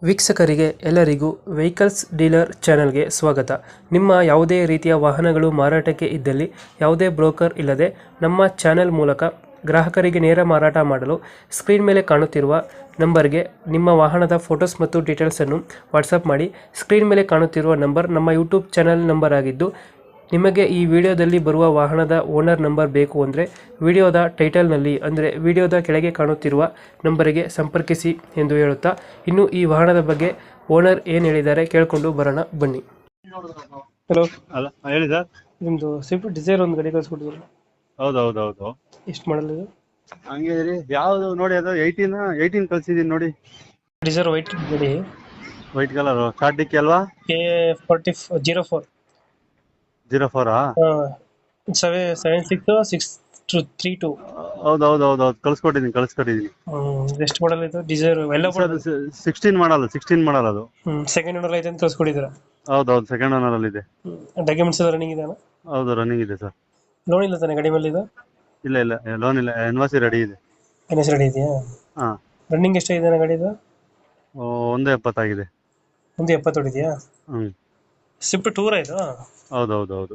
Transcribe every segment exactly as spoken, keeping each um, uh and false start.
ವೀಕ್ಷಕರಿಗೆ ಎಲ್ಲರಿಗೂ vehicles dealer ಚಾನೆಲ್ಗೆ ಸ್ವಾಗತ. ನಿಮ್ಮ ಯಾವುದೇ ರೀತಿಯ ವಾಹನಗಳು ಮಾರಾಟಕ್ಕೆ ಇದ್ದಲ್ಲಿ ಯಾವುದೇ ಬ್ರೋಕರ್ ಇಲ್ಲದೆ ನಮ್ಮ ಚಾನೆಲ್ ಮೂಲಕ ಗ್ರಾಹಕರಿಗೆ ನೇರ ಮಾರಾಟ ಮಾಡಲು ಸ್ಕ್ರೀನ್ ಮೇಲೆ ಕಾಣುತ್ತಿರುವ ನಂಬರ್ಗೆ ನಿಮ್ಮ ವಾಹನದ ಫೋಟೋಸ್ ಮತ್ತು ಡೀಟೇಲ್ಸನ್ನು ವಾಟ್ಸಪ್ ಮಾಡಿ. ಸ್ಕ್ರೀನ್ ಮೇಲೆ ಕಾಣುತ್ತಿರುವ ನಂಬರ್ ನಮ್ಮ ಯೂಟ್ಯೂಬ್ ಚಾನೆಲ್ ನಂಬರ್ ಆಗಿದ್ದು, ನಿಮಗೆ ಈ ವಿಡಿಯೋದಲ್ಲಿ ಬರುವ ವಾಹನದ ಓನರ್ ನಂಬರ್ ಬೇಕು ಅಂದರೆ ವಿಡಿಯೋದ ಟೈಟಲ್ನಲ್ಲಿ ಅಂದರೆ ವಿಡಿಯೋದ ಕೆಳಗೆ ಕಾಣುತ್ತಿರುವ ನಂಬರಿಗೆ ಸಂಪರ್ಕಿಸಿ ಎಂದು ಹೇಳುತ್ತಾ, ಇನ್ನು ಈ ವಾಹನದ ಬಗ್ಗೆ ಓನರ್ ಏನು ಹೇಳಿದ್ದಾರೆ ಕೇಳಿಕೊಂಡು ಬರೋಣ ಬನ್ನಿ. ಹಲೋ ಅಲ್ಲ ಹೇಳಿ ಸರ್. ನಿಮ್ಮದು ಸ್ವಿಫ್ಟ್ ಡಿಸೈರ್ ಒಂದು ಗಾಡಿ ಕಳಿಸ್ಕೊಟ್ಟಿದ್ರು, ಹೌದು ಹೌದು ಹೌದು ಎಷ್ಟು ಮಾಡಲ್ ಇದು? ಹಂಗೆ ರೀ. ಯಾವ್ದು ನೋಡಿ, ಅದು ಏಯ್ಟೀನ್ ಏಯ್ಟೀನ್ ಕಳ್ಸಿದೀನಿ ನೋಡಿ. ಡಿಸೈರ್ ವೈಟ್ ಗಾಡಿ, ವೈಟ್ ಕಲರ್ ಸ್ಟಾರ್ಟ್ ಡಿಕ್ಕಿ ಅಲ್ವಾ? K forty zero four zero ಫೋರಾ? ಸೆವೆ seven six six two three two ಹೌದು ಹೌದು ಹೌದು ಹೌದು ಕಳ್ಸ್ಕೊಟ್ಟಿದ್ದೀನಿ ಕಳ್ಸ್ಕೊಟ್ಟಿದ್ದೀನಿ. ಎಷ್ಟು ಮಾಡಲ್ ಇದು ಡಿಸೈರ್? ಎಲ್ಲ ಸಿಕ್ಸ್ಟೀನ್ ಮಾಡಲ್ಲ ಸಿಕ್ಸ್ಟೀನ್ ಮಾಡಲ್ಲ ಅದು. ಸೆಕೆಂಡ್ ಓನರ್ ಐತೆ ಅಂತ ಕಳ್ಸ್ಕೊಟ್ಟಿದ್ದೀರಾ? ಹೌದು ಹೌದು ಸೆಕೆಂಡ್ ಓನರ್ ಅಲ್ಲಿ ಇದೆ. ಡಾಕ್ಯುಮೆಂಟ್ಸ್ ಎಲ್ಲ ರನ್ನಿಂಗ್ ಇದೆ? ಹೌದು ರನ್ನಿಂಗ್ ಇದೆ ಸರ್. ಲೋನ್ ಇಲ್ಲ ತಾನೆ ಗಾಡಿ ಮೇಲೆ ಇದು? ಇಲ್ಲ ಇಲ್ಲ ಲೋನ್ ಇಲ್ಲ, ಎನ್ವಾಸಿ ರೆಡಿ ಇದೆ. ಎನ್ ಎಸ್ ರೆಡಿ ಇದೆಯಾ? ಹಾ. ರನ್ನಿಂಗ್ ಎಷ್ಟಾಗಿದೆ ಗಾಡಿ ಇದು? ಒಂದು ಎಪ್ಪತ್ತಾಗಿದೆ. ಒಂದು ಎಪ್ಪತ್ತು ಹೊಡಿದೆಯಾ? ಹ್ಮ್. ಸ್ವಿಫ್ಟ್ ಟೂರ್ ಇದು? ಹೌದು ಹೌದು ಹೌದು.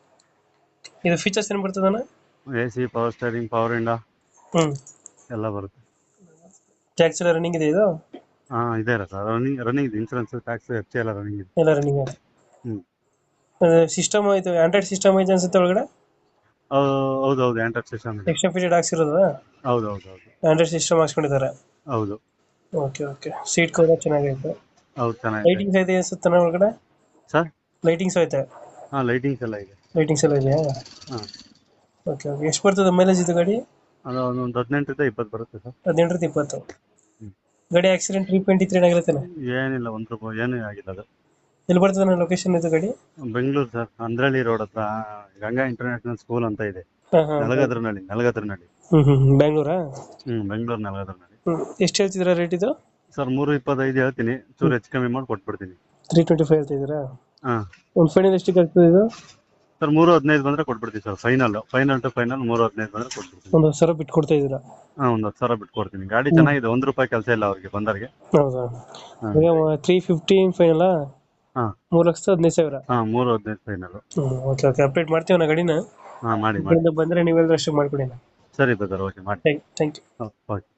ಇದು ಫೀಚರ್ಸ್ ಏನು ಬರ್ತದಣ್ಣ? A C, power steering, power ಇಂಡಾ ಹ್ಮ್ ಎಲ್ಲ ಬರುತ್ತೆ. ಟ್ಯಾಕ್ಸ್ ಎಲ್ಲ ರನ್ನಿಂಗ್ ಇದೆ ಇದು? ಹಾ ಇದೆ ಸರ್, ರನ್ನಿಂಗ್ ರನ್ನಿಂಗ್ ಇದೆ. ಇನ್ಸೂರೆನ್ಸ್, ಟ್ಯಾಕ್ಸ್, ಎಫ್ ಸಿ ಎಲ್ಲ ರನ್ನಿಂಗ್ ಇದೆ. ಎಲ್ಲ ರನ್ನಿಂಗ್ ಇದೆ. ಹ್ಮ್. ಸಿಸ್ಟಮ್ ಆಯ್ತು, ಆಂಡ್ರಾಯ್ಡ್ ಸಿಸ್ಟಮ್ ಐತೆ ಅನ್ಸುತ್ತೆ ಒಳಗಡೆ? ಹೌದು ಹೌದು ಆಂಡ್ರಾಯ್ಡ್ ಸಿಸ್ಟಮ್ ಇದೆ. ಎಕ್ಸ್ಟ್ರಾ ಫೀಚರ್ ಹಾಕ್ಸಿರೋದು? ಹೌದು ಹೌದು ಹೌದು ಆಂಡ್ರಾಯ್ಡ್ ಸಿಸ್ಟಮ್ ಹಾಕ್ಸ್ಕೊಂಡಿದ್ದಾರೆ. ಹೌದು. Okay okay. ಸೀಟ್ ಕವರ್ ಚೆನ್ನಾಗೈತೆ. ಹೌದು ಚೆನ್ನಾಗಿದೆ. ಲೈಟಿಂಗ್ಸ್ ಐತೆ ಅನ್ಸುತ್ತೆ ಒಳಗಡೆ? ಸರ್ ಲೈಟಿಂಗ್ಸ್ ಐತೆ? ಹಾ ಲೈಟಿಂಗ್ಸ್ ಎಲ್ಲ ಇದೆ. ಲೈಟಿಂಗ್ಸ್ ಎಲ್ಲ ಇದೆಯಾ? ಹಾ. Okay okay. ಎಷ್ಟು ಬರ್ತದೆ ಮೈಲೇಜ್ ಇದು ಗಾಡಿ? ಅದು ಒಂದು ಹದಿನೆಂಟರಿಂದ ಇಪ್ಪತ್ತು ಬರುತ್ತೆ ಸರ್. ಹದಿನೆಂಟರಿಂದ ಇಪ್ಪತ್ತು. ಹ್ಮ್. ಗಾಡಿ ಆಕ್ಸಿಡೆಂಟ್ ರೀಪೇಂಟ್ ಇತ್ತು ಏನಾಗಿರುತ್ತೆ? ಏನಿಲ್ಲ, ಒಂದು ರೂಪಾಯಿ ಏನೂ ಆಗಿಲ್ಲ. ಅದು ಎಲ್ಲಿ ಬರ್ತದೆ ಲೊಕೇಶನ್ ಇದು ಗಾಡಿ? ಬೆಂಗಳೂರು ಸರ್, ಅಂದ್ರಳ್ಳಿ ರೋಡ್ ಹತ್ರ ಗಂಗಾ ಇಂಟರ್ನ್ಯಾಷನಲ್ ಸ್ಕೂಲ್ ಅಂತ ಇದೆ. ಹಾಂ ಹಾಂ. ನಲಗದ್ರನಹಳ್ಳಿ ನಲಗದ್ರನಹಳ್ಳಿ ಹ್ಮ್ ಹ್ಮ್. ಬೆಂಗಳೂರಾ? ಹ್ಮ್ ಬೆಂಗಳೂರು ನಲಗದ್ರನಹಳ್ಳಿ. ಹ್ಮ್. ಎಷ್ಟು ಹೇಳ್ತಿದ್ದೀರಾ ರೇಟ್ ಇದು? ಸರ್ ಮೂರು ಇಪ್ಪತ್ತೈದು ಹೇಳ್ತೀನಿ, ಚೂರು ಹೆಚ್ಚು ಕಮ್ಮಿ ಮಾಡಿ ಕೊಟ್ಬಿಡ್ತೀನಿ. ತ್ರೀ ಟ್ವೆಂಟಿ ಫೈವ್ ಹೇಳ್ತಿದ್ದೀರಾ? ಹಾ. ಒಂದು ಫೈನಲ್ ಎಷ್ಟಕ್ಕೆ ಆಗ್ತದೆ ಇದು? ಸರ್ ಮೂರು ಹದಿನೈದು ಬಂದ್ರೆ ಕೊಟ್ಬಿಡ್ತೀನಿ sir. Final final to final ಮೂರು ಹದಿನೈದು ಬಂದ್ರೆ ಕೊಟ್ಬಿಡ್ತೀನಿ. ಒಂದು ಸಾವಿರ ಬಿಟ್ಟು ಕೊಡ್ತಾ ಇದ್ದೀರಾ? ಹಾ, ಒಂದು ಹತ್ತು ಸಾವಿರ ಬಿಟ್ಟು ಕೊಡ್ತೀನಿ. ಗಾಡಿ ಚೆನ್ನಾಗಿದೆ, ಒಂದು ರೂಪಾಯಿ ಕೆಲಸ ಇಲ್ಲ ಅವ್ರಿಗೆ ಬಂದವ್ರಿಗೆ. ಹೌದಾ? Three fifteen final? ಹಾ. ಮೂರು ಲಕ್ಷದ ಹದಿನೈದು ಸಾವಿರ? ಹಾ, ಮೂರು ಹದಿನೈದು ಫೈನಲ್. ಹ್ಮ್. Okay okay. ಅಪ್ಡೇಟ್ ಮಾಡ್ತೀವಿ ನಾ ಗಾಡಿನ. ಹಾ ಮಾಡಿ ಮಾಡಿ. ಬಂದರೆ ನೀವೆಲ್ಲರೂ ಅಷ್ಟು ಮಾಡ್ಕೊಡಿ. ಸರಿ ಬ್ರದರ್, ಓಕೆ ಮಾಡಿ. Thank you. ಓಕೆ.